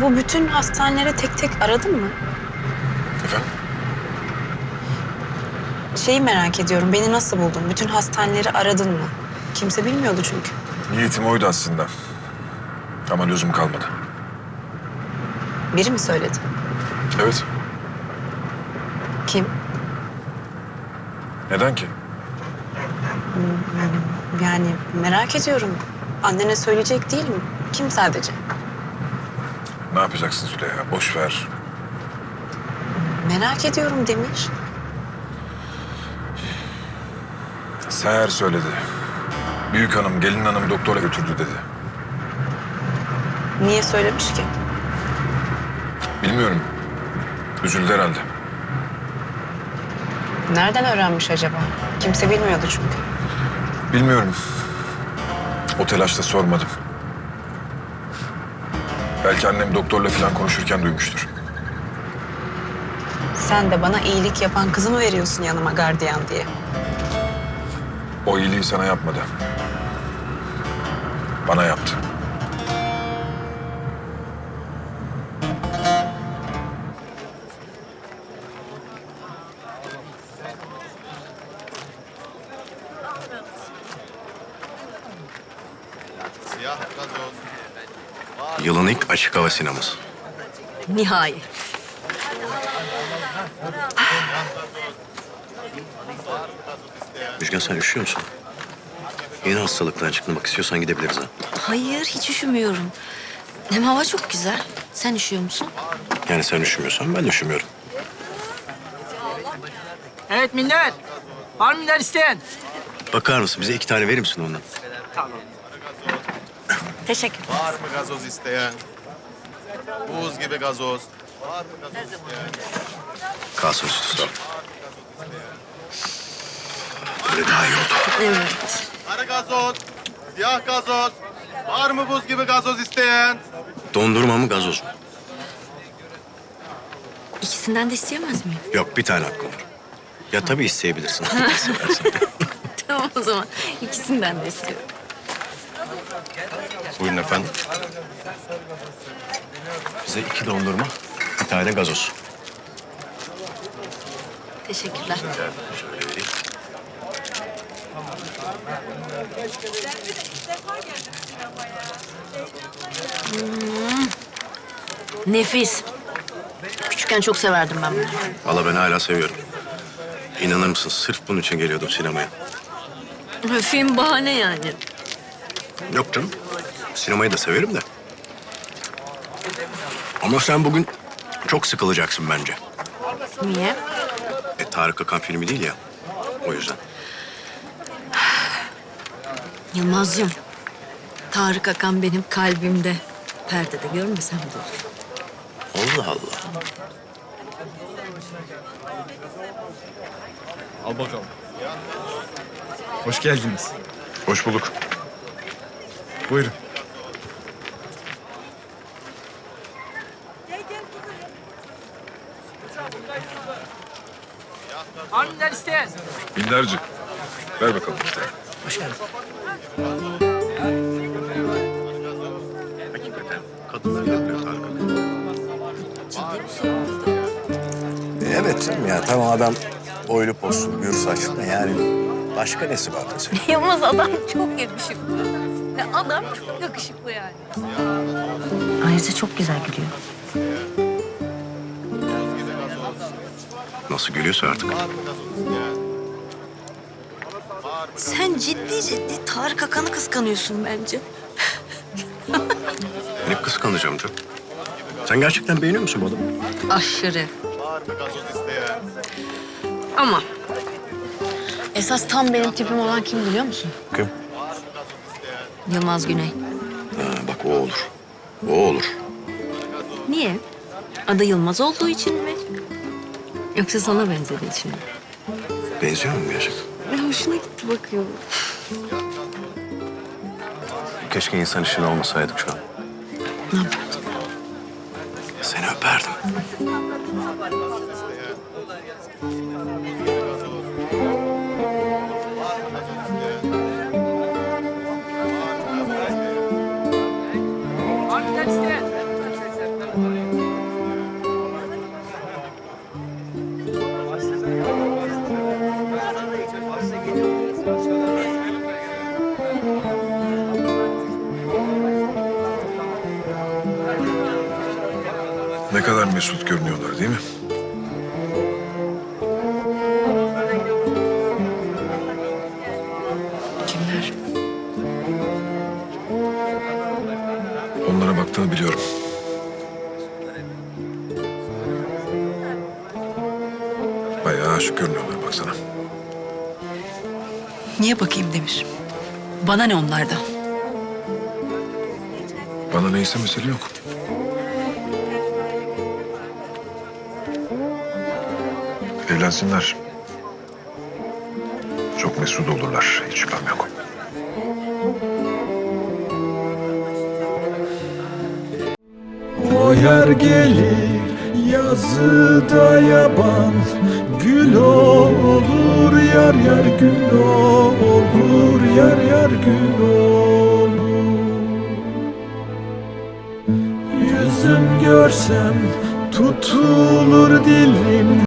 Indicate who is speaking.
Speaker 1: bu bütün hastanelere tek tek aradın mı?
Speaker 2: Efendim?
Speaker 1: Şeyi merak ediyorum, beni nasıl buldun? Bütün hastaneleri aradın mı? Kimse bilmiyordu çünkü.
Speaker 2: Niyetim oydu aslında. Ama lüzum kalmadı.
Speaker 1: Biri mi söyledi?
Speaker 2: Evet.
Speaker 1: Kim?
Speaker 2: Neden ki?
Speaker 1: Yani merak ediyorum. Annene söyleyecek değilim. Kim sadece?
Speaker 2: Ne yapacaksın Züleyha? Boş ver.
Speaker 1: Merak ediyorum Demir.
Speaker 2: Seher söyledi. Büyük hanım, gelin hanım doktora götürdü dedi.
Speaker 1: Niye söylemiş ki?
Speaker 2: Bilmiyorum. Üzüldü herhalde.
Speaker 1: Nereden öğrenmiş acaba? Kimse bilmiyordu çünkü.
Speaker 2: Bilmiyorum. O telaşla sormadım. Belki annem doktorla falan konuşurken duymuştur.
Speaker 1: Sen de bana iyilik yapan kızı mı veriyorsun yanıma gardiyan diye?
Speaker 2: O iyiliği sana yapmadı. Bana yaptı.
Speaker 3: Yılın ilk açık hava sineması.
Speaker 4: Nihayet.
Speaker 3: Müjgan sen üşüyor musun? Yeni hastalıktan çıkmak istiyorsan gidebiliriz ha.
Speaker 4: Hayır, hiç üşümüyorum. Hem hava çok güzel. Sen üşüyor musun?
Speaker 3: Yani sen üşümüyorsan ben de üşümüyorum.
Speaker 5: Evet millet. Var mı millet isteyen?
Speaker 3: Bakar mısın? Bize 2 tane verir misin ondan?
Speaker 4: Teşekkür.
Speaker 6: Var mı gazoz isteyen? Buz gibi gazoz. Var mı gazoz isteyen?
Speaker 3: Kalsın üstü sağ ol. Böyle daha iyi oldu.
Speaker 4: Evet.
Speaker 6: Sarı gazoz, siyah gazoz. Var mı buz gibi gazoz isteyen?
Speaker 3: Dondurma mı gazoz mu?
Speaker 4: İkisinden de isteyemez miyim?
Speaker 3: Yok bir tane hakkım var. Ya tabii isteyebilirsin. Seversen.
Speaker 4: Tamam o zaman. İkisinden de istiyorum.
Speaker 3: Buyurun efendim. Bize 2 dondurma, bir tane gazoz.
Speaker 4: Teşekkürler.
Speaker 3: Şöyle vereyim.
Speaker 4: Nefis. Küçükken çok severdim ben bunu.
Speaker 3: Valla ben hala seviyorum. İnanır mısın? Sırf bunun için geliyordum sinemaya.
Speaker 4: Film bahane yani.
Speaker 3: Yok canım. Sinemayı da severim de. Ama sen bugün çok sıkılacaksın bence.
Speaker 4: Niye?
Speaker 3: Tarık Akan filmi değil ya. O yüzden.
Speaker 4: Yılmazcığım. Tarık Akan benim kalbimde. Perdede görmesem de olur.
Speaker 3: Allah Allah.
Speaker 7: Al bakalım. Hoş geldiniz.
Speaker 2: Hoş bulduk.
Speaker 7: Buyurun.
Speaker 5: Var mı millet isteyen?
Speaker 2: Binlerce. Ver bakalım işte.
Speaker 3: Hakikaten kadınlar yapıyor Tarık Akan. Evet canım ya. Tamam adam boylu poslu, gür saçlı da yani başka nesi var mesela?
Speaker 4: Yılmaz adam çok yakışıklı. Ve adam çok yakışıklı yani. Ayrıca çok güzel gülüyor.
Speaker 3: Nasıl gülüyorsa artık.
Speaker 4: Sen ciddi ciddi Tarık Akan'ı kıskanıyorsun bence.
Speaker 3: Ben hep kıskanacağım canım. Sen gerçekten beğeniyor musun bu adamı?
Speaker 4: Aşırı.
Speaker 6: Var mı gazoz isteyen?
Speaker 4: Ama esas tam benim tipim olan kim biliyor musun?
Speaker 3: Kim?
Speaker 4: Yılmaz Güney.
Speaker 3: Ha, bak o olur. O olur.
Speaker 4: Niye? Adı Yılmaz olduğu için mi? Yoksa sana benzediği için mi?
Speaker 3: Benziyor mu gerçekten?
Speaker 4: Hoşuna gitti bakıyorum.
Speaker 3: Keşke insan işin olmasaydık şu an.
Speaker 4: Ne yapardın?
Speaker 3: Seni öperdim.
Speaker 5: Var mı millet isteyen?
Speaker 2: Ne kadar mesut görünüyorlar değil mi?
Speaker 1: Kimler?
Speaker 2: Onlara baktığını biliyorum. Bayağı aşık görünüyorlar baksana.
Speaker 1: Niye bakayım Demir? Bana ne onlardan?
Speaker 2: Bana neyse mesele yok. Evlensinler. Çok mesut olurlar. Hiç şüphem yok.
Speaker 8: O yer gelir yazıda yaban, gül olur yar yar gül olur yar yar gül olur. Yüzüm görsem tutulur dilim.